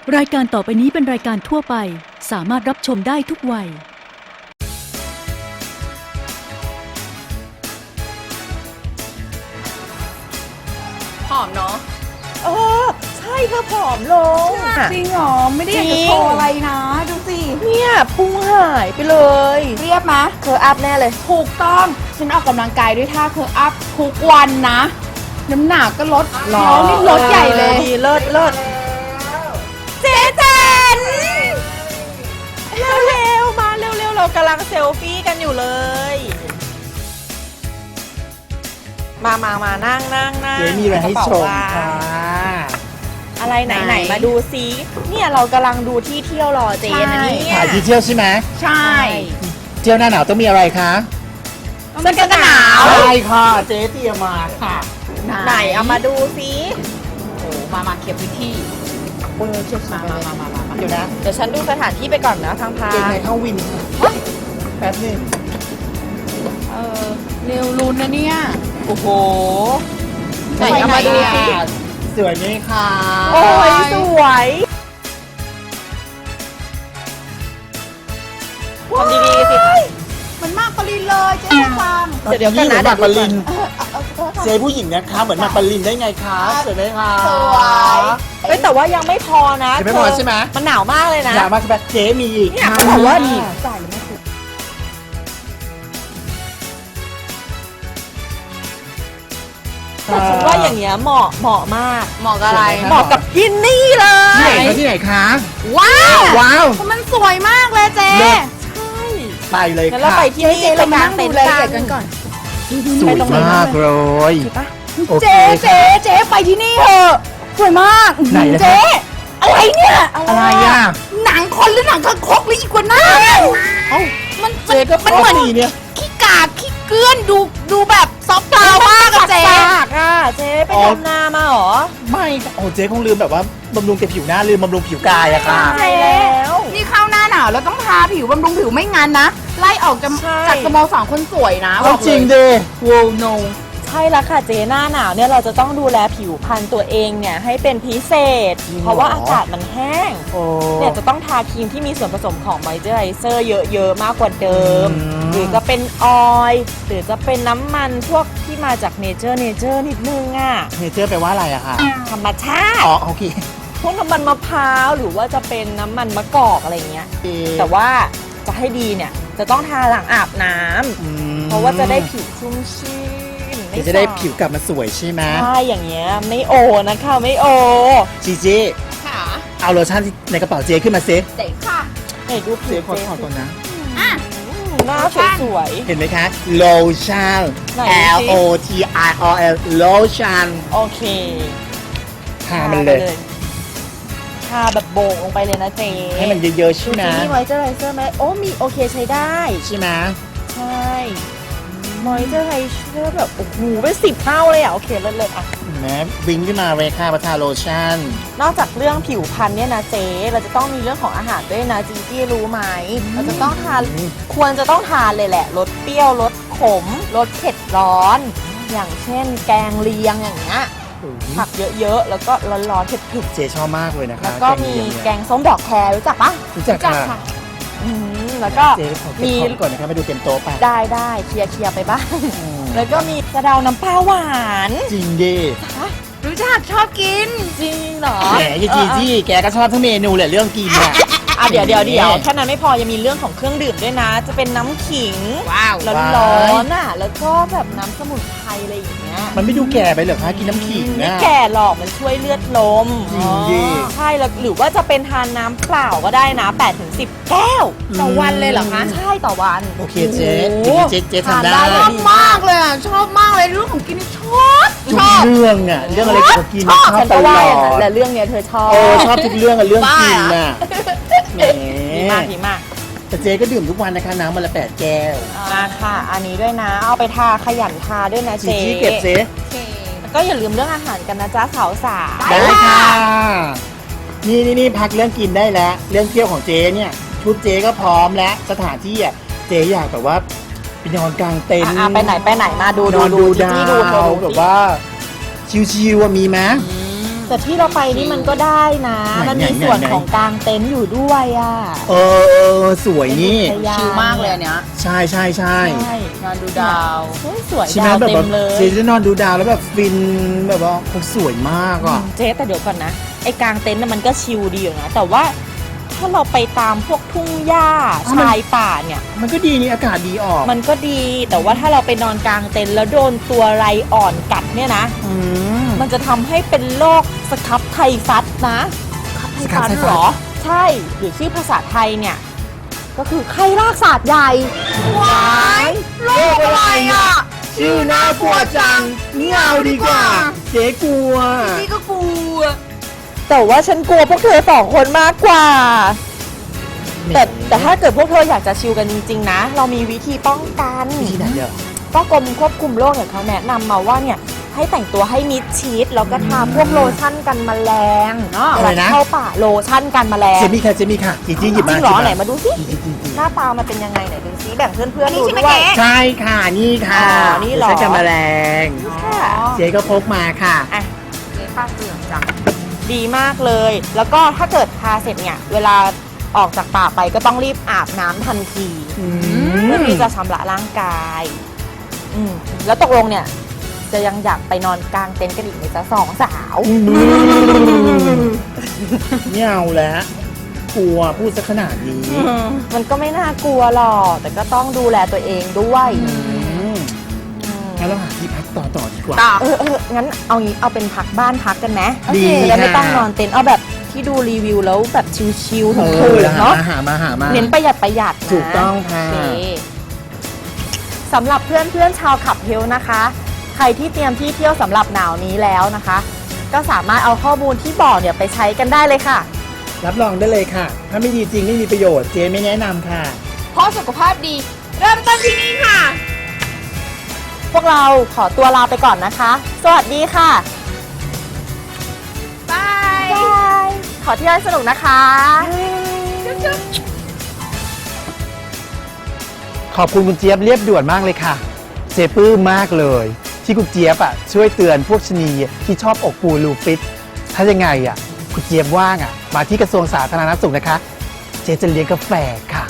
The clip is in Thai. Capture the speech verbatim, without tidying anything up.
รายการต่อไปนี้เป็นรายการทั่วไปสามารถรับชมได้ทุกวัยผอมเนาะเออใช่เธอผอมลงจริงเหรอไม่ได้อยากจะโชว์อะไรนะดูสิเนี่ยพุงหายไปเลยเรียบมะเธออัพแน่เลยถูกต้องฉันออกกำลังกายด้วยท่าเคอร์อัพทุกวันนะน้ำหนักก็ลดแล้วนี่ลดใหญ่เลยดีเลิศเลิศเจ๊เจนเร็วๆมาเร็วๆเรากำลังเซลฟี่กันอยู่เลย มามามานั่งนั่งนั่งเจ๊มีอะไรให้ชมค่ะอะไรไหนไหนมาดูซิเนี่ยเรากำลังดูที่เที่ยวรอเจนนะเนี่ยถ่ายที่เที่ยวใช่ไหมใช่เที่ยวหน้าหนาวต้องมีอะไรคะเสื้อกันหนาวใช่ค่ะเจ๊เตรียมมาค่ะไหนเอามาดูซิโอ้มามาเคลียร์พื้นที่เออเช็คมามามามามาเดี๋ยวนะเดี๋ยวฉันดูสถานที่ไปก่อนนะทางพาเก่งในเข้าวินแป๊บนึงเออเร็วรุนนะเนี่ยโอ้โหไหนเอามาดูสิสวยไหมคะโอ้ยสวยทำดีๆสิมันมากปรินเลยเจ๊ฟังเดี๋ยวเดี๋ยวกันนะหมือหมากปรินเออเอาเอาเอาเจ๊ผู้หญิงนะคะเหมือนหมากปรินได้ไงคะสวยไหมคะสวยเฮ้ยแต่ว่ายังไม่พอนะยังไม่พอใช่ไหมมันหนาวมากเลยนะอยากมาใช่ไหมเจ๊มีอีกเนี่ยค่ะเขาบอกว่าจ่ายหรือไม่ถูกแต่ฉันว่าอย่างเงี้ยเหมาะเหมาะมากเหมาะกับอะไรเหมาะกับกินนี่เลที่ไหนยคะที่ไหนคะว้าวว้าวมันสวยมากเลยเจ๊เลิศใช่ไปเลยงั้นเราค่ะไปที่นี่เรากางเต็นท์กันก่อนสวยมากเลยถูกปะโอเคเจ๊ค่ะเจ๊เจ๊ไปที่นี่เถอะสวยมากไหนล่ะเจ๊อะไรเนี่ยอะไรอ่ะหนังคนหรือหนังคางคกหรืออีกกว่าหน้าเอ้ามันเจ๊ก็มันเหมือนพอดีเนี่ยขี้กากขี้เกลื่อนดูดูแบบซอฟต์พาวมากอะเจ๊ปากอ่ะเจ๊ไปทำนามาเหรอไม่โอ้เจ๊คงลืมแบบว่าบำรุงแต่ผิวหน้าลืมบำรุงผิวกายอะค่ะใช่แล้วนี่เข้าหน้าหนาวแล้วต้องทาผิวบำรุงผิวไม่งั้นนะไล่ออกจากใช่จากสโมสรคนสวยนะเอาจริงดิโวโนใช่แล้วค่ะเจ๊หน้าหนาวเนี่ยเราจะต้องดูแลผิวพรรณตัวเองเนี่ยให้เป็นพิเศษจริงเหรอเพราะว่าอากาศมันแห้งโอ้เนี่ยจะต้องทาครีมที่มีส่วนผสมของมอยเจอไรเซอร์เยอะๆมากกว่าเดิมอืมหรือจะเป็นออยล์หรือจะเป็นน้ำมันพวกที่มาจากเนเจอร์เนเจอร์นิดนึงอ่ะเนเจอร์แปลว่าอะไรอะคะธรรมชาติอ๋อโอเคพวกน้ำมันมะพร้าวหรือว่าจะเป็นน้ำมันมะกอกอะไรเงี้ย แต่ว่าจะให้ดีเนี่ยจะต้องทาหลังอาบน้ำอืมเพราะว่าจะได้ผิวชุ่มชื่นม่เดี๋ยวจะได้สาบผิวกลับมาสวยใช่ไหมใช่อย่างเงี้ยไม่โอนะคะไม่โอจีจีค่ะเอาโลชั่นในกระเป๋าเจ๊ขึ้นมาซิเจ๊ค่ะไหนดูผิเจ๊วขอเจ๊ถอดก่อนนะอ่ะหน้าสวยเห็นไหมคะโลชั่นไหน L สิ O T I O N โลชั่นๆโอเคทามันเลยทาแบบโบกลงไปเลยนะเจ๊ให้มันเยอะๆใช่ไหมมีมอยเจอไรเซอร์ไหมโอ้มีโอเคใช้ได้ใช่ไหมใช่มอยเจอไรเซอร์แบบโอ้โหเป็นสิบเท่าเลยอ่ะโอเคเลิศเลยอ่ะเห็นไหมวิ่งขึ้นมาเลยค่ะมาทาโลชั่นนอกจากเรื่องผิวพรรณเนี่ยนะเจ๊เราจะต้องมีเรื่องของอาหารด้วยนะจีจี้รู้ไหมเราจะต้องทานควรจะต้องทานเลยแหละรสเปรี้ยวรสขมรสเผ็ดร้อน อย่างเช่น แกงเลียงอย่างเงี้ยผักเยอะๆแล้วก็ร้อนๆเผ็ดเจ๊ชอบมากเลยนะๆคะแล้วก็มีแกงส้มดอกแครรู้จักปะรู้จักค่ะอืมแล้วก็เจ๊ขอเก็บมีของก่อนนะคะมาดูเต็มโต๊ะไปได้ได้เคลียร์เคลียร์ไปบ้างอืมแล้วก็มีกระเดาน้ำปลาหวานจริงดิรู้จักชอบกินจริงเหรอแหมยายจีจี้แกก็ชอบทั้งเมนูแหละเรื่องกินอ่ะอ่ะเดี๋ยวเดี๋ยวเดี๋ยวแค่นั้นไม่พอยังมีเรื่องของเครื่องดื่มด้วยนะ จะเป็นน้ำขิงว้าวร้อนๆอ่ะแล้วก็แบบน้ำสมุนไพรอะไรอย่างเงี้ยมันไม่ดูแก่ไปเหรอคะกินน้ำขิงไม่นะแก่หรอกมันช่วยเลือดลมจริงดิอ๋อใช่แล้วหรือว่าจะเป็นทานน้ำเปล่าก็ได้นะแปดถึงสิบแก้วต่อวันเลยเหรอคะใช่ต่อวันโอเคเจ๊โอ้โหเจ๊เจ๊ทำทานได้ได้ชอบมากเลยอ่ะ ชอบมากเลยเรื่องของกินนี่ชอบทุชกอบเรื่องอ่ะเรื่องอะไรเกี่ยวกับกินชอบชอบฉันตก็ลว่าออย่างนั้นดแหละเรื่องเนี้ยเธอชอบโอ้ชอบทุกเรื่องอะเรื่องกินน่ะแหมดีมากดีมากแต่เจ๊ก็ดื่มทุกวันนะคะน้ำวันละแปดแก้วมาค่ะ อันนี้ด้วยนะ เอาไปทาขยันทาด้วยนะจีเจ๊จี้เก็บเจ๊แล้วก็อย่าลืมเรื่องอาหารกันนะจ๊ะสาวสาวได้ค่ะ นี่นี่นี่พักเรื่องกินได้แล้ว เรื่องเที่ยวของเจ๊เนี่ย ชุดเจ๊ก็พร้อมแล้ว สถานที่อ่ะเจ๊อยากแบบว่าไปนอนกลางเต็นท์อ่ะไปไหนไปไหนมาดูนดูอนดูดูจีดาจี้ดูเธอวดูแบบสิว่า ชิวๆอะมีไหมมแต่ที่เราไปนี่มันก็ได้นะไหนมันมีไหนส่วนไหนของกลางเต็นท์อยู่ด้วยอ่ะเออเออสวยนี่เป็นอุทยนชิลมากเลยอันเนี้ยใช่ใช่ใช่ใช่นอนดูดาวเฮ้ยสวยใช่ไหมดาวแบบเต็ว่ามเลยเจจะนอนดูดาวแล้วแบบฟินแบบว่าคงสวยมากอ่ะเจ๊แต่เดี๋ยวก่อนนะไอ้กลางเต็นท์น่ะมันก็ชิลดีอยู่นะแต่ว่าถ้าเราไปตามพวกทุ่งหญ้าอ้าวมันชายป่าเนี่ยมันก็ดีนี่อากาศดีออกมันก็ดีแต่ว่าถ้าเราไปนอนกลางเต็นท์แล้วโดนตัวไรอ่อนกัดเนี่ยนะอืมมันจะทำให้เป็นโรคสครับไทฟัสนะสครับไทฟัสสครับไทฟัสเหรอ ใช่หรือชื่อภาษาไทยเนี่ย ก็คือไข้รากศาสตร์ใหญ่ว้ายโรคอะไรอ่ะชื่อน่ากลัวจังไม่เอาดีกว่า เจ๊กลัวนี่ก็กลัวแต่ว่าฉันกลัวพวกเธอสองคนมากกว่า แต่แต่ถ้าเกิดพวกเธออยากจะชิลกันจริงๆนะ เรามีวิธีป้องกันที่ไหนเด้อก็กรมควบคุมโรคเนี่ยเขาแนะนำมาว่าเนี่ยให้แต่งตัวให้มิดชิดแล้วก็ทาพวกโลชั่นกันแมลงอะไรนะเข้าป่าโลชั่นกันแมลงเจมี่ค่ะเจมี่ค่ะจีจี้หยิบจมาริงเหรอยิบไหนมาดูสิจีจี้จีจี้หน้าตามันเป็นยังไงไหนดูซิแบ่งเพื่อนๆดูนี่ใช่ไหมด้วยเจ๊ใช่ค่ะนี่ค่ะอ๋อนี่เหรอใช้กันแมลงค่ะเจ๊ก็พกมาค่ะอ่ะเจ๊ป้าเสื่อมจังดีมากเลย แล้วก็ถ้าเกิดทาเสร็จเนี่ยเวลาออกจากป่าไปก็ต้องรีบอาบน้ำทันทีอืมเพื่อที่จะชำระร่างกายอืมแล้วตกลงเนี่ยจะยังอยากไปนอนกลางเต็นท์กันอีกไหมจ๊ะสองสาวไม่เอาแล้วกลัวพูดซะขนาดนี้มันก็ไม่น่ากลัวหรอกแต่ก็ต้องดูแลตัวเองด้วยอืมอืมงั้นเราหาที่พักต่อต่อดีกว่าต่อเออเอองั้นเอางี้เอาเป็นพักบ้านพักกันไหมดีจะได้ไม่ค่ะต้องนอนเต็นท์เอาแบบที่ดูรีวิวแล้วแบบชิลๆเอถูอกๆหาเนาะมาหามาหามาเน้นประหยัดประหยัดนะถูกต้องค่ะโอเคสำหรับเพื่อนเพื่อนๆชาวขับเฮลนะคะ ใครที่เตรียมที่เที่ยวสำหรับหนาวนี้แล้วนะคะ ก็สามารถเอาข้อมูลที่บอกเนี่ยไปใช้กันได้เลยค่ะรับรองได้เลยค่ะ ถ้าไม่ดีจริงไม่มีประโยชน์เจ๊ไม่แนะนำค่ะเพราะสุขภาพดี เริ่มต้นที่นี่ค่ะพวกเราขอตัวลาไปก่อนนะคะ สวัสดีค่ะบายบาย ขอเที่ยวให้สนุกนะคะขอบคุณคุณเจี๊ยบเรียบด่วนมากเลยค่ะ เจ๊ปลื้มมากเลย ที่คุณเจี๊ยบอ่ะช่วยเตือนพวกชะนีที่ชอบอกปูลูฟิต ถ้ายังไงอ่ะคุณเจี๊ยบว่างอ่ะมาที่กระทรวงสาธารณสุขนะคะ เจ๊จะเลี้ยงกาแฟค่ะ